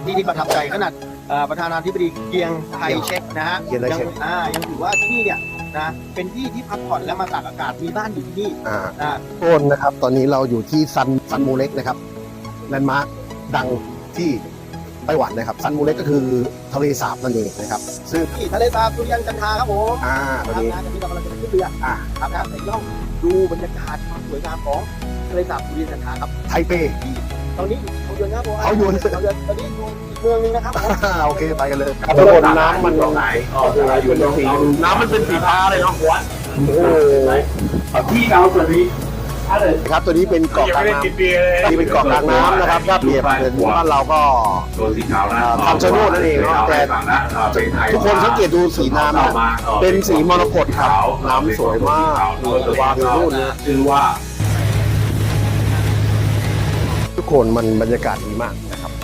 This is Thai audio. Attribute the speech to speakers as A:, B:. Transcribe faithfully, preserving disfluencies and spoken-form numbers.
A: ที่ที่ประทับใจขนาดประธานาธิบดีเกียงไทยเช็คนะฮะยังอ่ายังถือว่าที่นี่เนี่ยนะเป็นที่ที่พักผ่อนและมาตากอากาศมีบ้านอยู่ที่นี่อ่านะโอนนะครับตอนนี้เราอยู่ที่ซันซันมูเล็กนะครับแลนด์มาร์คดังที่ไต้หวันนะครับซันมูเล็กก็คือทะเลสาบนั่นเองนะครับซึ่งที่ทะเลสาบสุริยันจันทราครับผมอ่าตอนนี้นะที่เรากำลังจะขึ้นเรืออ่าครับครับไปล่องดูบรรยากาศความสวยงามของทะเลสาบสุริยันจันทราครับไทเปตอนนี้เขาโยนครับผมเขาโยนเขาโยนตอนนี้อยู่อีกเมืองนึงนะครับโอเคไปกันเลยทุกคนน้ำมันไหนอ๋ออยู่ตรงสีน้ำมันเป็นสีฟ้าเลยเนาะโอ้ที่เราตัวนี้ครับตัวนี้เป็นเกาะกลางน้ำนี่เป็นเกาะกลางน้ำนะครับถ้าเปรียบเหมือนบ้านเราก็คำชะโนดนั่นเองเนาะแต่ทุกคนสังเกตดูสีน้ำเป็นสีมรกตครับน้ำสวยมากวางอยู่นู่นนะคือว่าทุกคนมันบรรยากาศดีมากนะครับ